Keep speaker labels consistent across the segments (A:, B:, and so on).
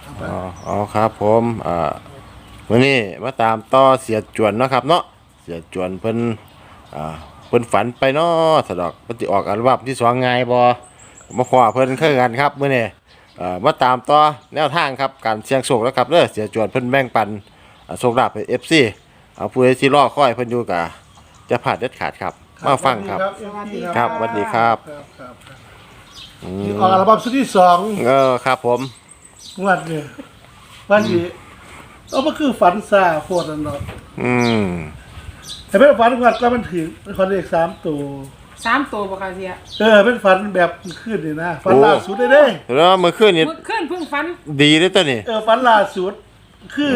A: อ๋อครับผมวันนี้มาตามต่อเสียจวนเนาะครับเนาะเสียจวนเพิ่นเพิ่นฝันไปเนาะสะดอกเพิ่นสิออกอัลบั้มที่สองไงบ่มาขอเพิ่นคือกันครับมื้อนี้มาตามต่อแนวทางครับการเสี่ยงโชคแล้วครับเด้อเสียจวนเพิ่นแบ่งปันโชคลาภให้ FC ผู้ใดสิรอคอยเพิ่นอยู่ก็จะพลาดเด็ดขาดครับมาฟังครับครับสวัสดีครับ
B: ออกอัลบั้มชุดที่สอง
A: ครับผม
B: วันนี้วันนี้มันคือฝันซาโคตรนั่นเนาะแต่เป็นฝันวันก็มันถึงคอนเลข
C: 3 ตัวบ่ค่ะเสีย
B: เป็นฝันแบบขึ้นนี่นะฝันล่าสุดได้เด้
A: แล้วเมื่อคืนนี้
C: เพิ่งฝัน
A: ดีเลยตัวนี้
B: ฝันล่าสุดคือ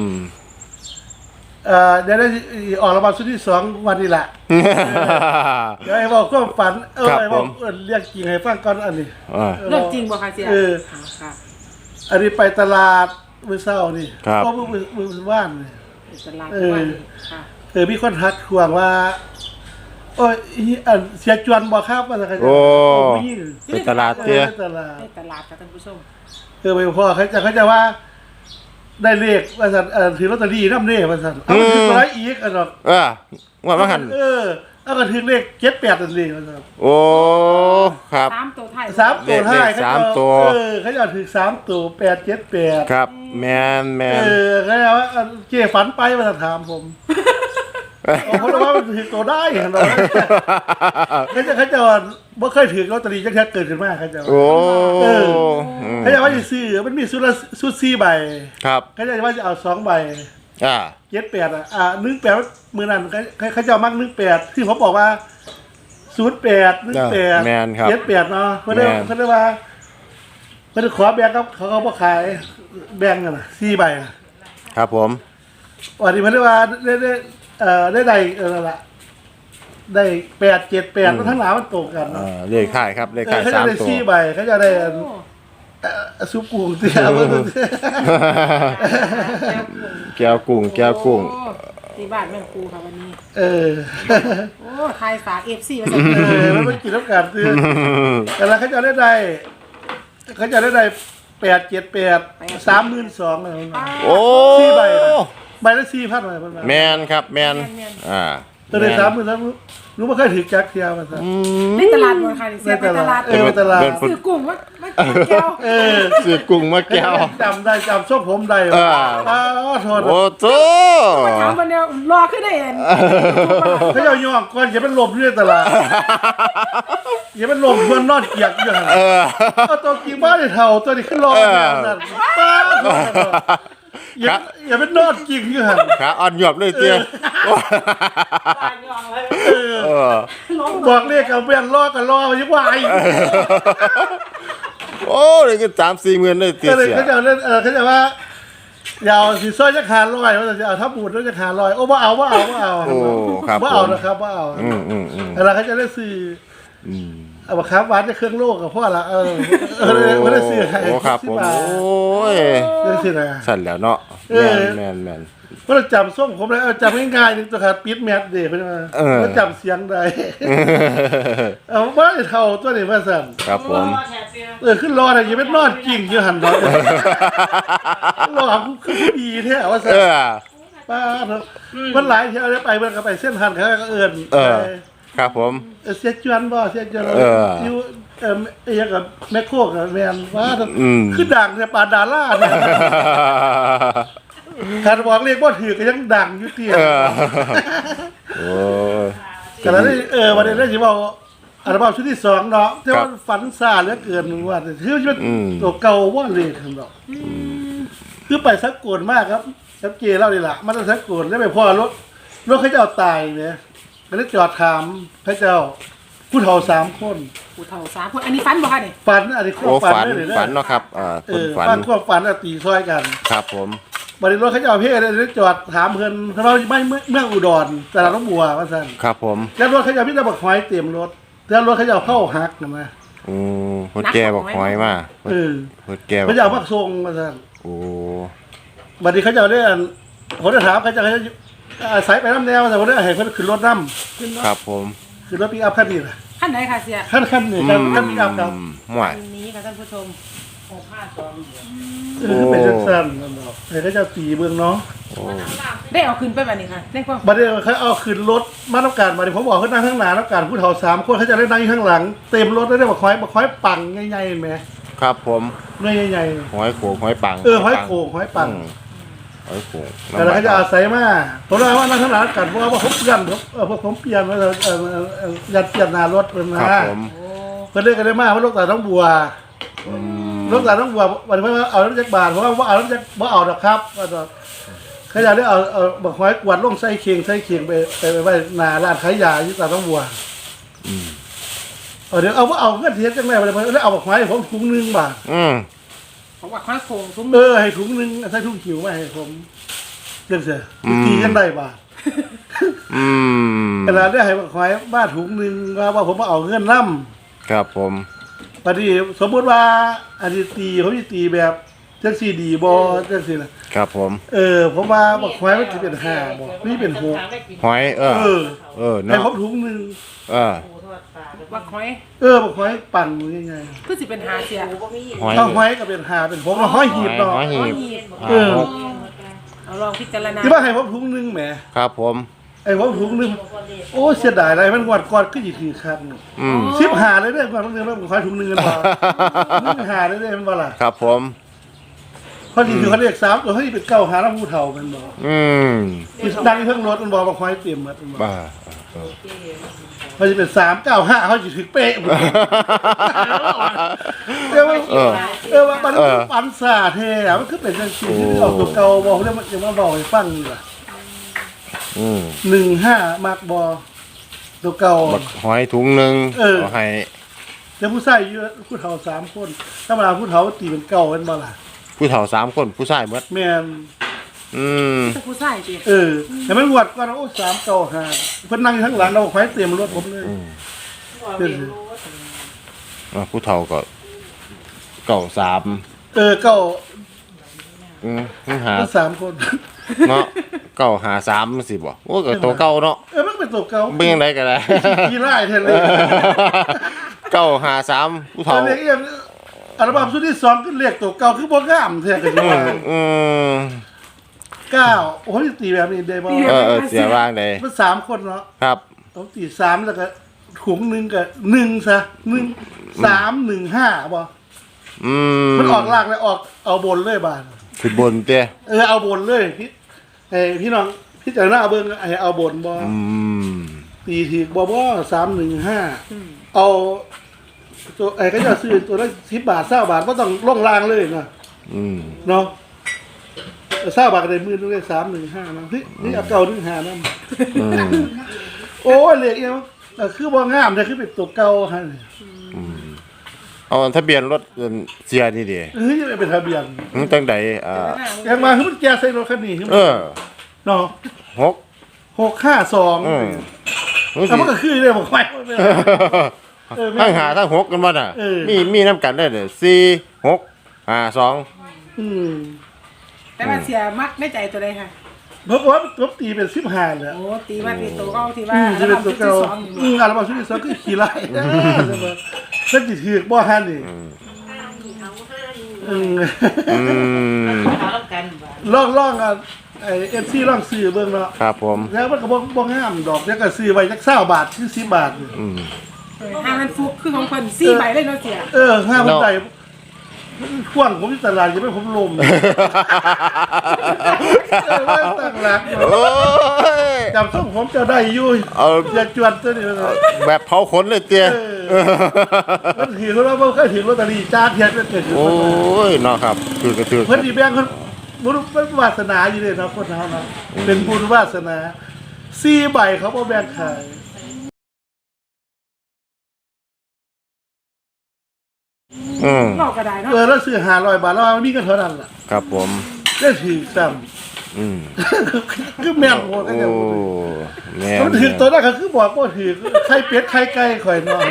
B: เดี๋ยวได้ออกอัลบั้มชุดที่สองวันนี้แหละเดี๋ยวให้บอกก็ฝันให้บอกเรียกจริงให้ฟังก่อนอันนี้
C: เรื่องจริงบ่ค่ะเสีย
B: ค่ะอันนี้ไปตลาดมื้อเช้านี่ก็มื้อว่านนี่
C: ตลาดว่านค่ะ
B: มีคนทักทวงว่าโอ้ยเสียจวนบ่ครับว่าซั่น
A: โอ้ไปตลาดเตี้ย
C: ไปตลาดค่ะท่านผู้ชม
B: ไปพ่อเขาจะว่าได้เลขว่าซั่นถือลอตเตอรี่นำเด้ว่าซั่นเอาถึงร้อยอีกดอก
A: ว่ามาหั่น
B: เอาก็ถึงเลข78นั่นเลยว่าซั่น
A: โอ้ครับ
C: 3 ตัวท้าย
B: 3 ตัวท้าย
A: 3 ตัว
B: เขาจะถึง3 ตัว878
A: ครับแม่น
B: เขาจะว่าเจ๊ฝันไปว่าถามผมเพราะว่ามันถือตัวได้เห็นบ่เขาจะบ่เคยถือลอตเตอรี่จักเทื่อเกิดขึ้นมาเขาจะ
A: โอ้
B: เขาจะว่าสิซื้อมันมีชุด4ใบ
A: ครับ
B: เขาจะว่าจะเอา2ใบ7818มื้อนั้นเขาจะมัก18ที่ผมบอกว่า08 18
A: แม่นครับ
B: 78เนาะเพิ่นได้ว่าเพิ่นขอแบ่งกับเขาบ่ขายแบ่งกันน่ะ4ใบ
A: ครับผม
B: วันนี้เพิ่นได้ว่าได้นั่นล่ะได้878มันทั้งหลายมันตกกันเนาะ
A: เลขท้ายครับเลขท้าย3ตัว
B: เขาจะได้4ใบเขาจะได้ซุปกุ้งเตี้ย
A: แก้วกุ้ง
C: ที่บ้านแม่ครูค่ะวันนี้โอ้ทายฝาก FC ว่าซั่
B: นมันกินน้ำกันคือแต่ละเขาจะได้878 32,000เลย
A: โอ้
B: 4ใบใบละ 4,000 เลย
A: แม่นครับแม่น
B: ตัวได้30,000แล้วรู้บ่เคยถือจักเที่ยวว่าซั่น
C: ในตลาดบ่ค่ะเสียไปตลาดซื้อกุ้งมาแก้ว
A: ซื้อกุ้งมาแก้ว
B: จำได้จำส้มผมได้โทษ
A: โอ้โธ่
C: ถามวันเดียวรอขึ้นได้เอง
B: เขาจะย่องก่อนอย่าเป็นลมในตลาดอย่าเป็นลมมันนอนเกียกอยู่หั่นตัวกี่บ้านได้เท่าตัวนี้ขึ้นรอนั่นอย่าเป็นนอดจริงอยู่หั่น
A: ขาอ่อนหยอบเลยเตี้ย
B: บอกเรียกกับเวียนรอกันรอยังไหว
A: โอ้เลยก็3-4 หมื่นเลยเตี้ย
B: เขาจะว่าอย่าเอาสิซ้อยจะขาดลอยว่าจะเอาทับบูดแล้วจะขาดลอยโอ้บ่เอาโอ้ครับบ่เอานะครับบ่เอาแล้วเขาจะได้ซื้อเอาครับหวานจะเครื่องโลกกับพ่อละไม่ได้ซื้อใคร
A: โอ้ครับผมโอ้ย
B: ได้ซื้ออะไร
A: สั่นแล้วเนาะแม่น
B: เพราะเราจำส้มผมเลยจำง่ายๆนึงตัวขาดปิดแมทเด็กไปมาแล้วจำเสียงได้ว่าเท่าตัวนี้มาสั่น
A: ครับผม
B: ขึ้นรออะไรยังไม่นอนจริงอยู่หันรอรอคือดีแท้ว่าสั่นป้ามันหลายที่เอาไปมันก็ไปเส้นทันเขาก็เอิญ
A: ครับผม
B: เสียจวนบ่เสียจวนอยู่อย่างกับแม่โคกแมนว่าคือดังเนี่ยปาดาล่าเนี่ยถ้าบอกเรียกว่าถือก็ยังดังอยู่เตี้ยแต่แล้ววันนี้ได้ยินว่าอัลบั้มชุดที่2เนาะที่ว่าฝันซ่าเหลือเกินว่าคือมันตัวเก่าว่าเลยทั้งดอกคือไปสักโกนมากครับสักเกเล่าดีละมันสักโกนแล้วไปพ่อรถเขาจะเอาตายเนี่ยไปแล้วจอดถามพระเจ้าผู้เฒ่า3 คน
C: ผู้เฒ่า3 คนอันนี้ฝันบ่คะนี่
B: ฝันอันนี้
A: ความฝันเนาะครับ
B: ฝันความฝันตีซอยกัน
A: ครับผม
B: บัดนี้รถเขาจะเอาเพ่ได้จอดถามเพิ่นเพราะว่าไม่เมืองอุดรแต่ละน้องบัวว่าซั่น
A: ครับผม
B: แล้วรถเขาจะพี่ตะบักหอยเต็มรถแล้วรถเขาจะเข้าหักนะมา
A: รถแก่บักหอยมารถแก่
B: เขาจะเอาพักทรงว่าซั่นบัดนี้เขาจะได้ผมจะถามเขาจะสายไปน้ำแนวแต่ผมได้ให้เพิ่นขึ้นรถน้
A: ำครับผม
B: ขึ้นรถปิกอัพคันนี้ล่ะ
C: คันไหนค่ะเสีย
B: คันนี้คันปิกอัพครับ
A: หม่
C: นี้ค่ะท่านผู้ชมโอ้
B: คือเป็นสั้นๆนั่นดอกไอ้ก็จะตีเบื้องเนาะ
C: ได้เอาขึ้นไปแบบนี้ค่ะได้ความ
B: บัดนี้เขาเอาขึ้นรถมาต้องการบัดนี้ผมบอกเขานั่งข้างหน้าต้องการผู้เฒ่า3 คนเขาจะได้นั่งอยู่ข้างหลังเต็มรถได้บักคอยปังใหญ่ๆเห็นไหม
A: ครับผม
B: เนื้อใหญ่
A: หอยโขงหอยปัง
B: หอยโข่งหอยปัง
A: หอยโขง
B: แต่เราจะอาศัยมาผมว่านั่งข้างหลังกันเพราะว่าผมเปลี่ยนพวกผมเปลี่ยนมายัดเปลี่ยนหน้ารถเป็นนะครับ
A: ผม
B: เพิ่นเรียกกันได้มากว่าลูกตาต้องบัวลูกตาต้องบัววันนี้ว่าเอาน้ำจักบาทเพราะว่าเอาน้ำจักบ่เอาดอกครับว่าดอกเขาอยากได้เอาบักหอยกวาดลงใส่เคียงไปไว้หน้าร้านขายยาที่ตาต้องบัวเดี๋ยวเอาเงินเทียนจังไงไปเลยเอาบักหอยให้ผมถุงนึงบาท
C: ของว่าข้าวโค้งซุ้ม
B: ให้ถุงนึงใส่ถุงขิวมาให้ผมเรื่องเสียตีกันได้บาทขนาดได้ให้บักหอยบ้านถุงนึงว่าผมมาเอาเงินน้ำ
A: ครับผม
B: ปฏิสมมติว่าอันนี้ตีเขาจะตีแบบจังสี่ดีบอจังสี่นะครับ
A: ผม
B: ผมว่าบักหอยมันจะเป็น5บ่นี่เป็น6
A: หอย
B: ให้
A: เนาะ
B: ผมถุงนึง
C: ว่าหอย
B: บักหอยปั่นยังไง
C: คือสิเป็นหาเสีย
A: หอย
B: ถ้าหอยก็เป็น5เป็น6แล้วหอยหีบเนาะ
A: หอยหีบ
C: เอาลองพิจารณา
B: ที่ว่าให้ผมถุงนึงแหม
A: ครับผม
B: ไอ้ผมถุงนึงโอ้เสียดายอะไรมันงวดก่อนก็สิถือคัก15เลยเด้อก่อนมันนึงแล้วบักหอยถุงนึงกันบ่15เลยเด้อมันบ่ล่ะ
A: ครับผม
B: พอดีคือเขาเรียก3ตัวเฮ้ยเป็น9หาแล้วผู้เฒ่ามันบ่ดังเครื่องรถมันบ่บักหอยเต็มหมดมันบ่
A: บ้า
B: มันจะเป็น395เขาจะถึงเป๊ะหมดเออว่ามันปันสาเท่อะมันคือเป็นจังซี่ที่ออกตัวเก่าบ่แล้วมันจะมาบอกให้ฟังนี่ล่ะ15มักบ่ตัวเก่า
A: บักหอยถุงหนึ่งเอาให้
B: แต่ผู้ชายอยู่ผู้เฒ่า3คนธรรมดาผู้เฒ่าตีเป็นเก่าเป็นบ่ล่ะ
A: ผู้เฒ่า3 คนผู้ชายหมด
B: แม่น
C: จะผู้ชายสิ
B: แต่มันงวดก่อนโอ้395เพิ่นนั่งอยู่ข้างหลังเราไฟเต็มรถผมเลย
A: ผู้เฒ่าก็เก่า3
B: เก่า
A: หา
B: 3คน
A: เนาะเก่าหา3สิบ่โอ้ก็ตัวเก่าเนาะ
B: มันเป็นตัวเก่า
A: เป็นยังไงก็ได้
B: ขี้ไล่แท้เลย
A: เก่าหา3ผู้เฒ่า
B: เรียกเองอัลบั้มชุดที่2ก็เรียกตัวเก่าคือบ่งามแท้กันอยู่ว่า9โอ้ยตีแบบนี้ได้บ่
A: เสียบ้างได้
B: มัน3คนเนาะ
A: ครับ
B: ต้องตี3แล้วก็ถุงนึงก็1ซะ1 3 1 5บ่มันออกล่างแล้วออกเอาบนเลยบาด
A: ขึ้นบนเตี้ย
B: เอาบนเลยพี่น้องพี่เจ้าหน้าเบิ่งเอาบนบ่ตีถีกบ่315เอาตัวก็จะซื้อตัวละ10 บาท20 บาทบ่ต้องลงล่างเลยนะเนาะ20 บาทก็ได้มื้อนึงได้315นะนี่เอาเก่า15นำโอ้ยเลขอีหยังคือบ่งามแต่คือเป็นตัวเก่าหั่น
A: เอาทะเบียนรถเสียนี่ดิ
B: จะเป็นทะเบียน
A: ตั้งใด
B: ยังมาคือมันแกใส่รถคันนี้คือเนาะ 652มันก็คือได้บ่ค่อย
A: ทั้งหาทั้ง6กันบ่น่ะมีน้ำกันได้เลย4 6 5 2
C: แต่ว่าเสียมักในใจตัวใดค่ะ
B: เพราะว่าผมตีเป็น15เลย
C: โอ้ตีว่าตีตัวเก่าที่ว่า
B: จะเป็นตัวเก่าอัลบั้มชุดที่2คือขี้ไล่เพิ่นสิถือบ่ฮั่นนี่ลองกันไอ้ FC ลองซื้อเบิ่งเนาะ
A: ครับผม
B: แล้วมันก็บ่งามดอกแล้วก็ซื้อไว้จัก20 บาทคือ10 บาท
C: ห้ามันฟุกคือของคน4ใบเลยเนาะเสีย
B: ห้ามันได้ข่วงผมที่ตลาดจะไม่ผมลมว่าตั้งหลักจำส่งผมจะได้ยุ่ยอย่าจวนตัวนี้
A: แบบเผาขนเลยเตี้ย
B: มันถือเขาแล้วมันเคยถือลอตเตอรี่จ้าเทียนเป็นเกิด
A: โอ้ยเนาะครับถือกระถือ
B: เพื่อนดีแบงค์คนบุญวาสนาอยู่เลยนะคนเขานะเป็นบุญวาสนา4 ใบเขาบ่แบ่งขาย
C: เราก็ได้เนาะ
B: แล้วซื้อ500 บาทแล้วมันมีกันเท่านั้นล่ะ
A: ครับผม
B: ได้ถือซ้ำคือแม่นโหดกันอย่างมันถือตัวนั้นก็คือบอกว่าถือไข่เป็ดไข่ไก่ข่อยนอน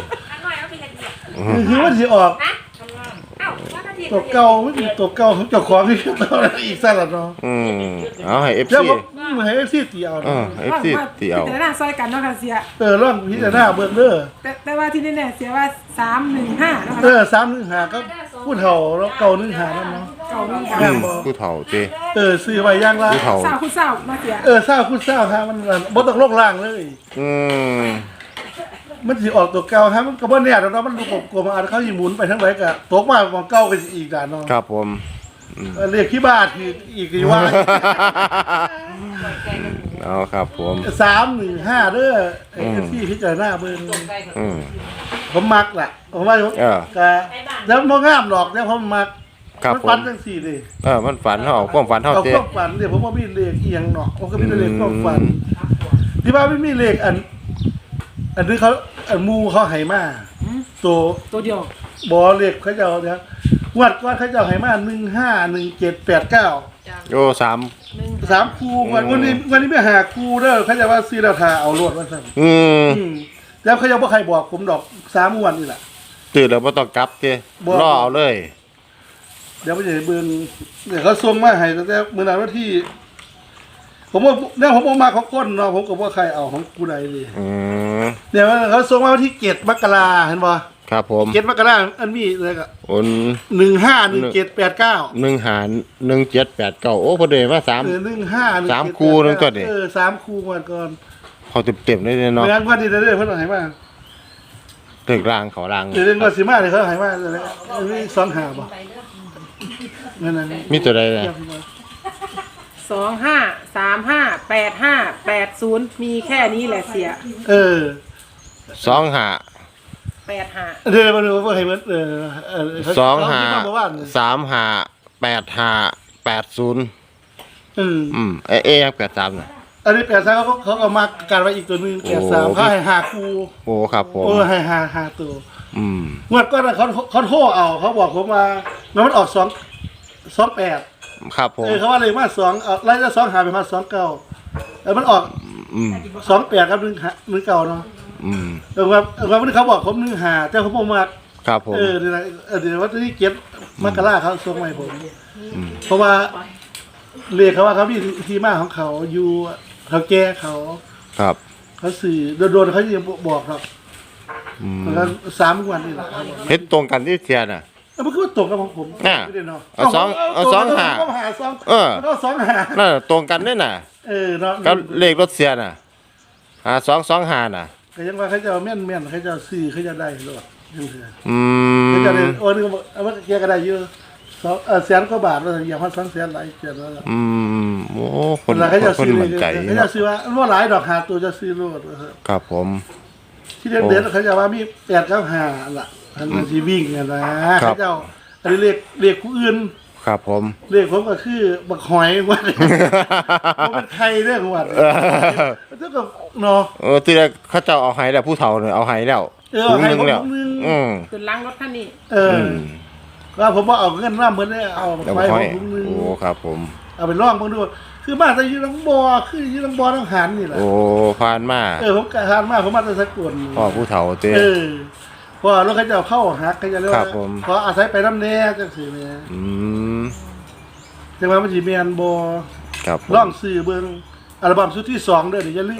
B: คือมันสิออกตัวเก่าไม่มีตัวเก่าของเจ้าของที่ตัวอีกซะละเนาะ
A: เอาให้ FC
B: แล้วให้ FC ตีเอา
A: FC ตีเอา
C: แต่หน้าซอยกันเนาะค่ะเสีย
B: ลองพิจารณาเบิ่งเด้อ
C: แต่ว่าที่แน่ๆเสียว่า315เนาะค่ะ
B: 315ก็ผู้เฒ่าแล้วเก่านึงหานั่นเนาะ
C: เก่านี่
B: แม่นบ่
A: ผู้เฒ่าติ
B: ซื้อไว้อย่างละ
A: ผู้เฒ่า
C: สาวคุณสาวมาเสีย
B: เศร้าคุณเศร้าฮะมันบ่ต้องลงล่างเลย
A: อืม
B: มันสิออกตัวเก่าฮะมันก็บ่แน่ดอกเนาะมันดูกลมๆอาจเขาสิหมุนไปทางไหนก็ตกมาของเก่าก็สิอีกด่านเนาะ
A: ครับผม
B: เรียกที่บ้านคืออีกกี่ว่า
A: เอาครับผม
B: 315เด้อไอ้ที่พิจารณาเบิ่ง
A: อืม
B: ผมมักล่ะผมว่า
A: เออ
B: ก็แล้วบ่งามดอกแล้วผมมัก
A: ครับ
B: มัน
A: ผม
B: ฝันจังซี่ดิ
A: มันฝันเฮาความฝันเฮา
B: เอา
A: เต้
B: ความฝันเดี๋ยวผมบ่มีเลขอีหยังเนาะผมก็มีแต่เลขความฝันที่ว่าไม่มีเลขอันนี้เขาอันหมู่เขาให้มาตัว
C: ตัวเดียว
B: บ่เลขเขาเจ้าเนี่ยงวดก่อนเขาเจ้าให้มา151789
A: โอ้สาม
B: 3คู่วันนี้ไปหาคู่เด้อเขาจะว่าซื้อแล้วทาเอาโลดว่าซั่น
A: อืม
B: แล้วเขายังบ่ใครบอกผมดอก3งวดนี่แหละ
A: ตื่นแล้วบ่ต้องกลับเต้
B: บ่
A: รอเอาเลย
B: เดี๋ยวไปจะเบิ่งเดี๋ยวเขาส่งมาให้ตั้งแต่มื้อนั้นวันที่ ผมว่าเนี่ยผมบ่มาของคนเนาะผมก็บ่ใครเอาของกูใดเลย
A: อืม
B: เดี๋ยวเขาส่งมาวันที่7มกราเห็นบ่
A: ครับผม
B: 7มกราอันมีเลยก็
A: โอน
B: 151789
A: 1หาร1789โอ้พอดีมา3
B: 151789
A: สามคู่นึงก่อนดิ
B: 3คู่ก่อนก่อน
A: เขาเต็มๆเลยเนาะ
B: เมื่อวันนี้เด้อเพิ่นเอาให้มา
A: ตึกรางเขาราง
B: เดี๋ยวก็สิมาเลยเขาให้มาเลยอันนี้25บ่นั่นน่ะ
A: มีตัวใดน่ะ
C: 25358580มีแค่นี้แหละเสีย
A: 2หา
C: 85
B: เดี๋ยวมาดูว่าให้มัน
A: 2หา
B: เมื่อวาน
A: 3หา8หา80เอยัง83น่ะ
B: อันนี้83เขาเอามาการไว้อีกตัวนึง83เขาให้5คู่
A: โอ้ครับผม
B: ให้5ตัว
A: อืม
B: งวดก่อนเขาโทรเอาเขาบอกผมมาแล้วมันออก28
A: ครับผม
B: เขาว่าเลยมา2เอาไล่ละ2หาไปมา29แล้วมันออก
A: อืม
B: 28กับ1เก่าเนาะ
A: อืม
B: ว่าวันนี้เขาบอกผม1หาแต่เขาบอกมา
A: ครับผม
B: เดี๋ยวว่าที่เก็บมกราเขาส่งมาให้ผม เพราะว่าเรียกเขาว่าเขามีที่มาของเขาอยู่เขาแก้เขา
A: ครับ
B: เขาสื่อโดนเขาจะบอกครับ
A: อืม
B: แล้ว3 วันนี่แหละครับ
A: เฮ็ดตรงกันที่เทียน่ะ
B: แล้วมันก็ตกกับของผม
A: น่ะ
B: ไม่ได้เนาะ
A: เอาสองหา
B: ก็หาสอง
A: เออ
B: แล้วก็2หา
A: นั่นน่ะตรงกันด้วยน่ะ
B: เนาะ
A: กับเลขรถเสียน่ะ225น่ะ
B: ก็ยังว่าเขาจะเอาแม่นเขาจะซื้อเขาจะได้รถยังเถื่อ
A: อื
B: เขา
A: ม
B: จะได้โอ้นี่เอาว่าแกก็ได้เยอะแสนกว่าบาทแล้วอย่างพัน200,000หลายเจ็ดแล้ว
A: อืมโอ้คน
B: เวลาเขาจะ
A: คน
B: ซื้อ
A: มั่นใจ
B: เขาจะซื้อว่าว่าหลายดอกหาตัวจะซื้อรถ
A: ครับผม
B: ที่เด็ดเขาจะว่ามี8กับ5ล่ะอันนั้นสิวิ่งกันนะเขาเจ้าอันนี้เรียกผู้อื่น
A: ครับผม
B: เรียกผมก็คือบักหอยว่ามันเป็นใครเรื่องวัดมันเท่ากับเนาะ
A: ที่แรกเขาเจ้าเอาให้แล้วผู้เฒ่าเนี่ยเอาให้แล้ว
B: เอาให้
A: ถุงหนึงแล้ว
B: ถุงหนึ่ง
A: อืม
C: ขึ้นล้างรถคันนี้
B: ก็ผมว่าเอาเงินมาเหมือนได้เอา
A: แล้ว
B: ไป
A: ห้
B: ข
A: อ
B: อย งถุงนึง
A: โอ้ครับผม
B: เอาไปล่องเบิ่งดูคือมาแต่อยืนลังบ่อคืออยืนลังบ่อต้องหันนี่แหละ
A: โอ้ผ่านมา
B: ผมกะหันมาผมมาแต่สกล
A: พ่อผู้เฒ่าเต้
B: พอรถเขาจะเข้าหักเขาจะเรียก
A: ครั
B: ว่า
A: บผม
B: ขออาศัยไปน้ำแน่จังซี่แม่
A: อืม
B: จังว่ามันสิแม่นบ่
A: ครับผม
B: ล่องซื้อเบิ่งอัลบั้มชุดที่2เด้อเดี๋ยวอย่าลืม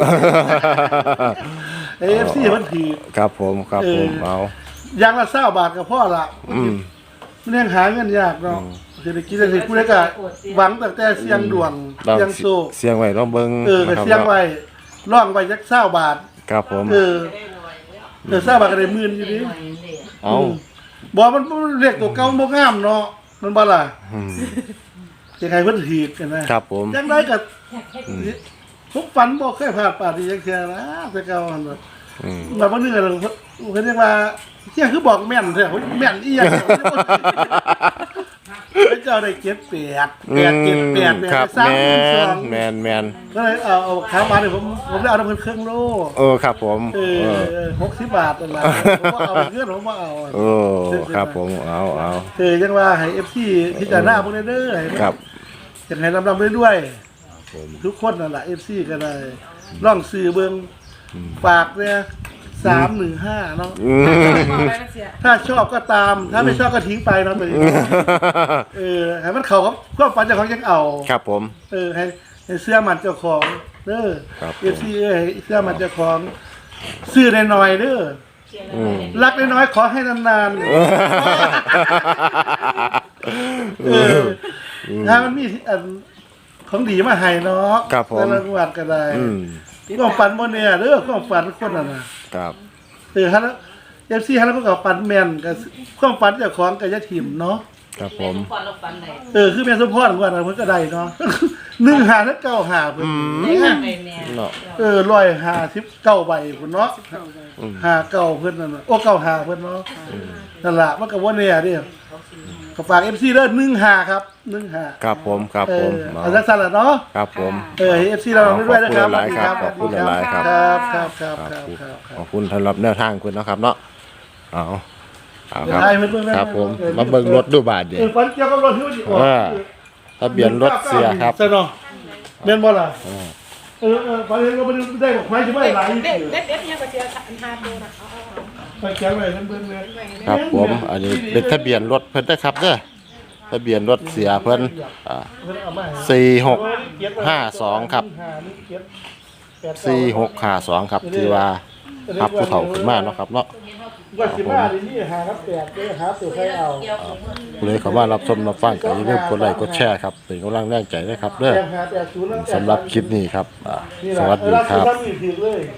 B: AFC มันถือ
A: ครับผมครับผมเอา
B: อย่างละ20บาทก็พอละ
A: อืม
B: มันยังหาเงินยากเนาะเศรษฐกิจสิผู้ใดก็หวังตั้งแต่เสียงดวง
A: ลอง
B: เสียงโซ
A: เสียงไว้ลองเบิ่ง
B: ก็
A: นะครับ
B: เสียงไว้ร่องไว้จัก20บาท
A: ครับผม
B: 20บาทก็ได้หมื่นอยู่ดิ
A: เอา
B: บ่มันเรียกตัวเก่าบ่งามเนาะมันบ่ล่ะ
A: อืม
B: จะใครเพิ่นถีบกันนะครับ
A: ผม
B: จังไดก็ทุกฝันบ่เคยพลาดปาดที่จังซี่นะแต่เก่าหั่นน่ะ
A: อืม
B: มาบ่นึงกันเพิ่นเรียกว่าเที่ยคือบอกแม่นแท้แม่นอีหยังเจ้าได้เก็บ8 8 7 8
A: ครับ
B: 8
A: แมน
B: 3 ก็เลยเอาค้างมาเนี่ยผมได้เอาน้ำมันเครื่องโล
A: ครับผม
B: 60 บาทนั่นแหละผมว่าเอาเงินผมว่าเอา
A: ครับผมเอา
B: ยังว่าให้ FC พิจารณาพวกนี้เด้อให้
A: ครับ
B: จังให้ลำด้วยทุกคนนั่นแหละ FC ก็ได้ล่องซื้อเบิ่งฝากเนี่ย315เนาะ
C: บอกไปแล้วเสีย
B: ถ้าชอบก็ตาม ถ้าไม่ชอบก็ทิ้งไปเนาะตัวนี้ให้มันเข้ากับความฝันเจ้าของยังเอา
A: ครับผม
B: ให้เสื้อมันเจ้าของเด้อ
A: ครับผม
B: FC ให้เสื้อมันเจ้าของซื้อหน่อยๆเด้อรักน้อยๆขอให้นานๆถ้ามันมีอันของดีมาให้เนาะ
A: ครับผม
B: แต่ละงวดก็ได้
A: อืม
B: ความฝันบ่เนี่ยเด้อความฝันคนน่ะนะครับ ฮะเอฟซีฮะแล้วก็ฝันแม่นกับความฝันเจ้าของกับยาถิ่มเนาะ
A: ครับผม
D: พอเราฟันไหน
B: คือแม่สมพรงวดนั้นเพิ่นก็ได้เนาะ 1 5และ9 5เพิ่น
D: ได้ยังไงแม่
A: เนาะ
B: 159ใบพุ่นเนาะ59เพิ่นนั่นน่ะโอ้95เพิ่นเนาะนั่นล่ะมันก็บ่แน่เด้ก็ฝาก FC เด้อ15ครับ15
A: ครับผมครับผม
B: เอาจังซั่นล่ะเนาะ
A: ครับผม
B: FC เราด้วยนะครับ
A: ขอบคุณหลายๆครับ
B: ครับ
A: ขอบคุณสำหรับแนวทางคุณนะครับเนาะเอาครับ
B: ได้เพิ่น
A: ครับผมมาเบิ่งรถดูบาทเดียว
B: ฝันเกี่ยวกับรถที่ว่าสิออก
A: ทะเบียนรถเสียครับ
B: ใช่เนาะแม่นบ่ล่ะฝันเห็นว่ามันได้บอกไม้สิบ่หลายอยู่
C: เด็ดเนี่ยก็เจออันหาตัวนะ
B: ไปเขียนไว้เพิ่นเลย
A: ครับผมอันนี้เป็นทะเบียนรถเพิ่นนะครับเด้อทะเบียนรถเสียเพิ่น4652ครับ4652ครับที่ว่ารับผู้เฒ่าขึ้นมาเนาะครับเนาะ
B: ว่าสิมาดินี่หาครับ8เด้อหาตัวใครเอา
A: ผู้ใดเข้ามารับชมรับฟังก็อย่าลืมกดไลค์กดแชร์ครับเป็นกำลังแรงใจด้วยครับเด้อ
B: 8 5 8 0
A: สำหรับคลิปนี้ครับสวัสดีครับ
B: นี่ถือเลย